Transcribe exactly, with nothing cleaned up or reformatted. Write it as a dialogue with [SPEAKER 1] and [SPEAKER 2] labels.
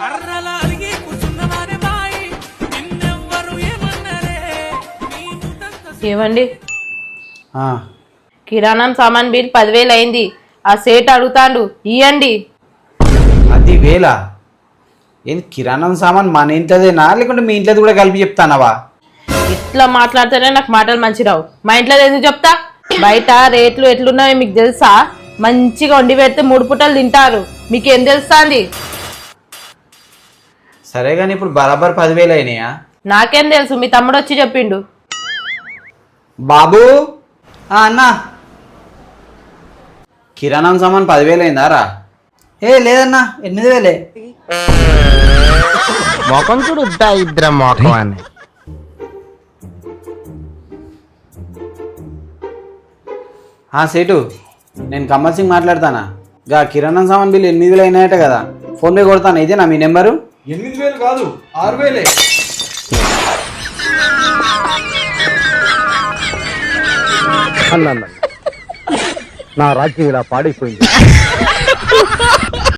[SPEAKER 1] ఏమండి
[SPEAKER 2] ఆ,
[SPEAKER 1] కిరాణం సామాన్ బిల్ పదివేలు అయింది. ఆ సేట్ అడుగుతాండు ఇయ్యండి.
[SPEAKER 2] అది వేళ ఏంది కిరాణం సామాన్ మన ఇంట్లోదేనా లేకుంటే మీ ఇంట్లో కూడా కలిపి చెప్తానవా?
[SPEAKER 1] ఇట్లా మాట్లాడితేనే నాకు మాటలు మంచి రావు. మా ఇంట్లో ఎందుకు చెప్తా? బయట రేట్లు ఎట్లున్నాయో మీకు తెలుసా? మంచిగా వండి పెడితే మూడు పూటలు తింటారు. మీకేం తెలుస్తుంది?
[SPEAKER 2] సరే కానీ ఇప్పుడు బరాబర్ పదివేలు అయినాయా?
[SPEAKER 1] నాకేం తెలుసు, మీ తమ్ముడు వచ్చి చెప్పిండు.
[SPEAKER 2] బాబు
[SPEAKER 3] అన్నా
[SPEAKER 2] కిరాణం సామాన్ పదివేలు అయిందా రా?
[SPEAKER 3] ఏ లేదన్నా ఎనిమిది వేలే.
[SPEAKER 4] మొఖం చూడు ఇద్దరు మొఖం అని.
[SPEAKER 2] సేటు నేను కమల్ సింగ్ మాట్లాడతానా? గా కిరాణం సామాన్ బిల్ ఎనిమిది వేలు అయినాయట కదా, ఫోన్ పే కొడతాను. ఇదేనా మీ నెంబరు?
[SPEAKER 5] ఎనిమిది వేలు కాదు ఆరు వేలే.
[SPEAKER 4] నా రాజ్యం ఇలా పాడైపోయింది.